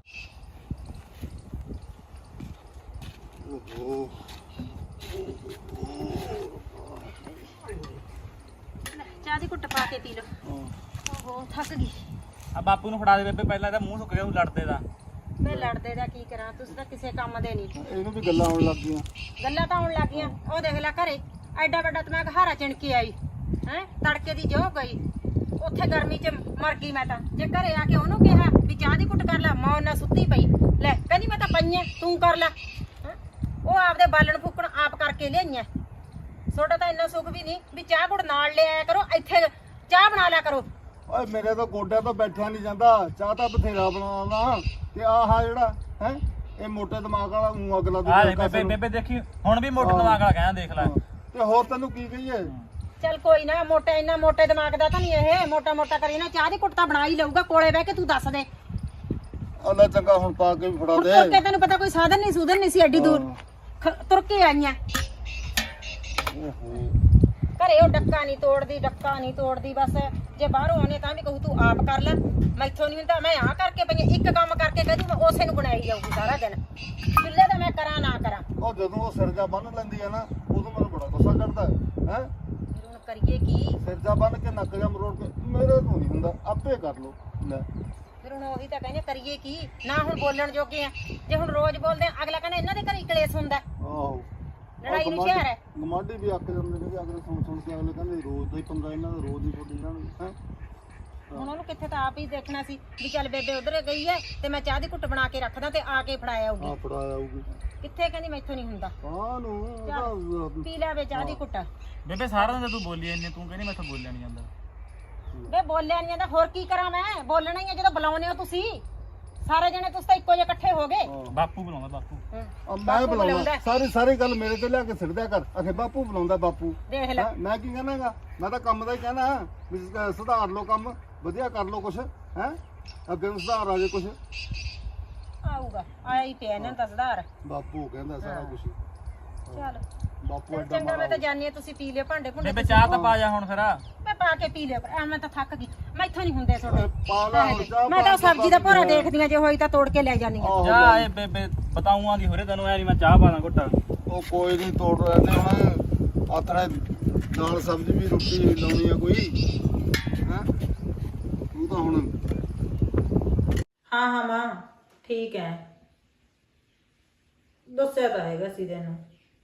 S3: ਓਹੋ
S1: ਚਾਹ ਦੀ ਘੁੱਟ ਪਾ ਕੇ ਪੀ ਲਓ ਓਹੋ ਥੱਕ ਗਈ
S4: ਆ ਬਾਪੂ ਨੂੰ ਫੜਾ ਦੇ ਬੇਬੇ ਪਹਿਲਾਂ ਇਹਦਾ ਮੂੰਹ ਸੁੱਕ ਗਿਆ ਉਹ ਲੜਦੇ ਦਾ
S1: ਮੈਂ ਲੜਦੇ ਦਾ ਕੀ ਕਰਾਂ ਤੁਸੀਂ ਤਾਂ ਕਿਸੇ ਕੰਮ ਦੇ ਨਹੀਂ
S3: ਇਹਨੂੰ ਵੀ ਗੱਲਾਂ ਆਉਣ ਲੱਗ ਗਈਆਂ
S1: ਗੱਲਾਂ ਤਾਂ ਆਉਣ ਲੱਗੀਆਂ ਉਹ ਦੇਖ ਲੈ ਘਰੇ ਐਡਾ ਵੱਡਾ ਤੇ ਮੈਂ ਘਹਾਰਾ ਚਿਣ ਕੇ ਆਈ ਹੈ ਤੜਕੇ ਦੀ ਜੋ ਗਈ ਉੱਥੇ ਗਰਮੀ 'ਚ ਮਰ ਗਈ ਮੈਂ ਤਾਂ ਜੇ ਘਰੇ ਆ ਕੇ ਉਹਨੂੰ ਕਿਹਾ ਵੀ ਚਾਹ ਦੀ ਘੁੱਟ ਕਰ ਲੈ ਮਾਂ ਉਹਨਾਂ ਸੁੱਤੀ ਪਈ ਲੈ ਕਹਿੰਦੀ ਮੈਂ ਤਾਂ ਪਈਆਂ ਤੂੰ ਕਰ ਲੈ ਹੈਂ? ਉਹ ਆਪਦੇ ਬਾਲਣ ਫੂਕਣ ਆਪ ਕਰਕੇ ਲਿਆਈਆਂ ਤੁਹਾਡਾ ਤਾਂ ਇੰਨਾ ਸੁੱਖ ਵੀ ਨਹੀਂ ਵੀ ਚਾਹ ਘੁੱਟ ਨਾਲ ਲੈ ਆਇਆ ਕਰੋ ਇੱਥੇ ਚਾਹ ਬਣਾ ਲਿਆ ਕਰੋ
S3: ਓਏ ਮੇਰੇ ਤਾਂ ਗੋਡਿਆਂ ਤੋਂ ਬੈਠਿਆ ਨਹੀਂ ਜਾਂਦਾ ਚਾਹ ਤਾਂ ਬਥੇਰਾ ਬਣਾਉਣਾ ਤੇ ਆਹ ਜਿਹੜਾ ਹੈ ਇਹ ਮੋਟੇ ਦਿਮਾਗ ਵਾਲਾ ਊਂ ਅਗਲਾ
S4: ਆ ਦੇ ਬੇਬੇ ਬੇਬੇ ਦੇਖੀ ਹੁਣ ਵੀ ਮੋਟੇ ਦਿਮਾਗ ਵਾਲਾ ਕਹਿੰਦਾ ਦੇਖ ਲੈ
S3: ਤੇ ਹੋਰ ਤੈਨੂੰ ਕੀ ਕਹੀਏ
S1: ਚੱਲ ਕੋਈ ਨਾ ਮੋਟਾ ਇੰਨਾ ਮੋਟੇ ਦਿਮਾਗ ਦਾ ਤਾਂ ਨਹੀਂ ਇਹ ਮੋਟਾ ਮੋਟਾ ਕਰੀ ਨਾ ਚਾਹ ਦੀ ਘੁੱਟ ਤਾਂ ਬਣਾ ਹੀ ਲਊਗਾ ਕੋਲੇ ਬਹਿ ਕੇ ਤੂੰ ਦੱਸ ਦੇ
S3: ਅੱਲਾ ਚੰਗਾ ਹੁਣ ਪਾ ਕੇ ਵੀ ਫੜਾ
S1: ਹੁਣ
S3: ਦੇ
S1: ਤੁਰ ਕੇ ਤੈਨੂੰ ਪਤਾ ਕੋਈ ਸਾਧਨ ਨਹੀਂ ਸੂਧਨ ਨਹੀਂ ਸੀ ਐਡੀ ਦੂਰ ਖ- ਤੁਰ ਕੇ ਆਈਆਂ
S3: ਓਹੋ
S1: ਘਰੇ ਉਹ ਡੱਕਾ ਨਹੀਂ ਤੋੜਦੀ ਡੱਕਾ ਨਹੀਂ ਤੋੜਦੀ ਬਸ ਜੇ ਬਾਹਰੋਂ ਆਉਣੇ ਤਾਂ ਵੀ ਕਹੂ ਤੂੰ ਆਪ ਕਰ ਲੈ ਮੈਥੋਂ ਨਹੀਂ ਹੁੰਦਾ ਮੈਂ ਆ ਕਰਕੇ ਪਈ ਆਂ। ਇੱਕ ਕੰਮ ਕਰਕੇ ਕਹਿ ਦੂੰ ਮੈਂ ਉਸੇ ਨੂੰ ਬਣਾਈ ਜਾਊਗੀ ਸਾਰਾ ਦਿਨ ਚੁੱਲ੍ਹੇ ਦਾ ਮੈਂ ਕਰਾਂ ਨਾ ਕਰਾਂ
S3: ਉਹ ਜਦੋਂ ਉਹ ਸਿਰਜਾ ਬੰਨ ਲੈਂਦੀ ਆ ਨਾ ਉਦੋਂ ਮੈਨੂੰ ਬੜਾ ਗੁੱਸਾ ਚੜਦਾ ਹੈ ਹੈਂ?
S1: ਫਿਰ ਹੁਣ ਕਰੀਏ ਕੀ
S3: ਸਿਰਜਾ ਬੰਨ ਕੇ ਨੱਕ ਜਾਂ ਮਰੋੜ ਕੇ ਮੇਰੇ ਤੋਂ ਨਹੀਂ ਹੁੰਦਾ ਆਪੇ ਕਰ ਲੋ ਲੈ
S1: ਫਿਰ ਹੁਣ ਉਹੀ ਤਾਂ ਕਹਿੰਦੇ ਕਰੀਏ ਕੀ ਨਾ ਹੁਣ ਬੋਲਣ ਜੋਗੇ ਆ ਜੇ ਹੁਣ ਰੋਜ਼ ਬੋਲਦੇ ਆ ਅਗਲਾ ਕਹਿੰਦਾ ਇਹਨਾਂ ਦੇ ਘਰ ਹੀ ਕਲੇਸ਼ ਹੁੰਦਾ
S3: ਆਹੋ
S1: ਲੜਾਈ ਨੂੰ ਸ਼ਹਿਰ ਹੈ
S3: ਗਮਾਡੀ ਵੀ ਅੱਕ ਜਾਂਦੇ ਨੇ ਕਿ ਅਗਲੇ ਸੁਣ ਸੁਣ ਕੇ ਅਗਲੇ ਕਹਿੰਦੇ ਰੋਜ਼ ਦਾ ਹੀ ਪੰਗਾ ਇਹਨਾਂ ਦਾ ਰੋਜ਼ ਹੀ ਬੋਲੀ ਇਹਨਾਂ ਨੂੰ ਹੈ
S1: ਹੁਣ ਉਹਨੂੰ ਕਿੱਥੇ ਤਾਂ ਆਪ ਹੀ ਦੇਖਣਾ ਸੀ ਵੀ ਚੱਲ ਬੇਬੇ ਉਧਰ ਗਈ ਹੈ ਤੇ ਮੈਂ ਚਾਹ ਦੀ ਘੁੱਟ ਬਣਾ ਕੇ ਰੱਖਦਾ ਤੇ ਆ ਕੇ ਫੜਾਇਆ ਆਊਗੀ
S3: ਆ ਫੜਾ ਆਊਗੀ
S1: ਕਿੱਥੇ ਕਹਿੰਦੀ ਮੈਥੋਂ ਨਹੀਂ ਹੁੰਦਾ
S3: ਕਾਹਨੂੰ
S1: ਚੱਲ ਪੀ ਲੈ ਵੇ ਚਾਹ ਦੀ ਘੁੱਟ
S4: ਬੇਬੇ ਸਾਰਾ ਦਿਨ ਤਾਂ ਤੂੰ ਬੋਲੀ ਇੰਨੇ ਤੂੰ ਕਹਿੰਦੀ ਮੈਥੋਂ ਬੋਲਿਆ ਨਹੀਂ ਜਾਂਦਾ
S1: ਵੇ ਬੋਲਿਆ ਨਹੀਂ ਜਾਂਦਾ ਹੋਰ ਕੀ ਕਰਾਂ ਮੈਂ ਬੋਲਣਾ ਹੀ ਆ ਜਦੋਂ ਬੁਲਾਉਨੇ ਹੋ ਤੁਸੀਂ ਸਾਰੇ ਜਣੇ ਤੁਸੀਂ ਤਾਂ ਇੱਕੋ ਜਿਹੇ ਇਕੱਠੇ ਹੋ ਗਏ
S4: ਬਾਪੂ ਬੁਲਾਉਂਦਾ ਬਾਪੂ
S3: ਆ ਮੈਂ
S1: ਬਾਪੂ
S3: ਬੁਲਾਉਂਦਾ
S1: ਬੁਲਾਉਂਦਾ।
S3: ਸਾਰੀ ਸਾਰੀ ਗੱਲ ਮੇਰੇ ਤੇ ਲਿਆ ਕੇ ਸਿੱਟਦਿਆ ਕਰ ਅਖੇ ਬਾਪੂ ਬੁਲਾਉਂਦਾ ਬਾਪੂ
S1: ਦੇਖ ਲੈ
S3: ਹੈਂ? ਮੈਂ ਕੀ ਕਹਿਣਾਗਾ ਮੈਂ ਤਾਂ ਕੰਮ ਦਾ ਹੀ ਕਹਿਣਾ ਵੀ ਸ- ਸੁਧਾਰ ਲਓ ਕੰਮ ਵਧੀਆ ਕਰ ਲਓ ਕੁਛ ਹੈ ਅੱਗੇ ਨੂੰ ਸੁਧਾਰ ਆ ਜੇ ਕੁਛ
S1: ਆਊਗਾ ਆਇਆ ਹੀ ਪਿਆ ਇਹਨਾਂ ਦਾ ਸੁਧਾਰ
S3: ਬਾਪੂ ਕਹਿੰਦਾ ਸਾਰਾ ਕੁਛ
S1: ਚੱਲ
S3: ਬਾਪੂ
S1: ਚੱਲ
S3: ਐਡਾ
S1: ਚੰਗਾ ਮੈਂ
S3: ਮਾਰਾ
S1: ਤਾਂ ਜਾਣੀ ਆ ਤੁਸੀਂ ਪੀ ਲਿਓ ਭਾਂਡੇ ਭੁੰਡੇ
S4: ਬੇਬੇ ਚਾਹ ਤਾਂ ਪਾ ਜਾ ਹੁਣ ਫਿਰ
S1: ਮੈਂ ਪਾ ਕੇ ਪੀ ਲਿਓ ਐ ਮੈਂ ਤਾਂ ਥੱਕ ਗਈ ਮੈਥੋਂ ਨਹੀਂ ਹੁੰਦੇ ਤੁਹਾਡੇ
S3: ਪਾ ਲਾ ਹੁਣ ਚਾਹ
S1: ਮੈਂ ਤਾਂ
S3: ਪਾ ਕੇ
S1: ਸਬਜ਼ੀ ਦਾ ਭੋਰਾ
S3: ਬਾਕੀ
S1: ਦੇਖਦੀ ਆ ਜੇ ਹੋਈ ਤਾਂ ਤੋੜ ਕੇ ਲੈ ਜਾਂਦੀ ਆ
S3: ਆਹੋ
S4: ਜਾ ਏ ਬੇਬੇ ਬਤਾਉਂਆਂ ਦੀ ਹੋਰੇ ਤੈਨੂੰ ਐ ਨਹੀਂ ਮੈਂ ਚਾਹ ਪਾਣਾ ਘੁੱਟਾ
S3: ਉਹ ਕੋਈ ਨਹੀਂ ਤੋੜ ਰਹੇ ਨੇ ਹੁਣ ਆਥਣੇ ਨਾਲ ਸਬਜ਼ੀ ਵੀ ਰੋਟੀ ਲਾਉਣੀ ਆ ਕੋਈ ਹੈ ਤੂੰ ਤਾਂ ਹੁਣ
S2: ਹਾਂ ਹਾਂ ਮਾਂ ਠੀਕ ਹੈ ਦੱਸਿਆ ਤਾਂ ਹੈਗਾ ਸੀ ਤੈਨੂੰ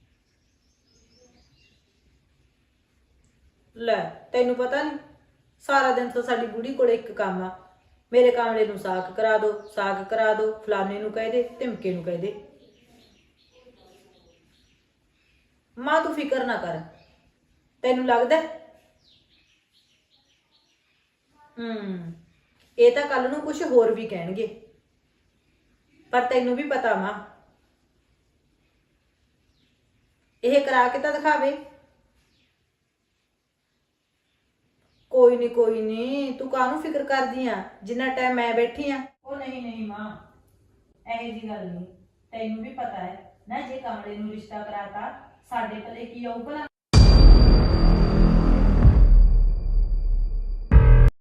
S2: ਲੈ ਤੈਨੂੰ ਪਤਾ ਨਹੀਂ ਸਾਰਾ ਦਿਨ ਤਾਂ ਸਾਡੀ ਬੁੜੀ ਕੋਲੇ ਇੱਕ ਕੰਮ ਆ ਮੇਰੇ ਕਾਮਲੇ ਨੂੰ ਸਾਗ ਕਰਾ ਦੋ ਸਾਗ ਕਰਾ ਦੋ ਫਲਾਣੇ ਨੂੰ ਕਹਿ ਦੇ ਧਮਕੇ ਨੂੰ ਕਹਿ ਦੇ ਮਾਂ ਤੂੰ ਫਿਕਰ ਨਾ ਕਰ ਤੈਨੂੰ ਲੱਗਦਾ ਹੂੰ ਇਹ ਤਾਂ ਕੱਲ ਨੂੰ ਕੁਝ ਹੋਰ ਵੀ ਕਹਿਣਗੇ ਪਰ ਤੈਨੂੰ ਵੀ ਪਤਾ ਮਾਂ ਇਹ ਕਰਾ ਕੇ ਤਾਂ ਦਿਖਾਵੇ ਕੋਈ ਨਹੀਂ ਕੋਈ ਨਹੀਂ ਤੂੰ ਕਾਹਨੂੰ ਫਿਕਰ ਕਰਦੀ ਆ ਜਿੰਨਾ ਟਾਈਮ ਮੈਂ ਬੈਠੀ ਆ ਉਹ ਨਹੀਂ ਨਹੀਂ ਮਾਂ ਇਹ ਜੀ ਗੱਲ ਨਹੀਂ ਤੈਨੂੰ ਵੀ ਪਤਾ ਹੈ ਨਾ ਜੇ ਕਮਲੇ ਨੂੰ ਰਿਸ਼ਤਾ ਕਰਾਤਾ ਸਾਡੇ ਭਲੇ ਕੀ ਆਊ ਭਲਾ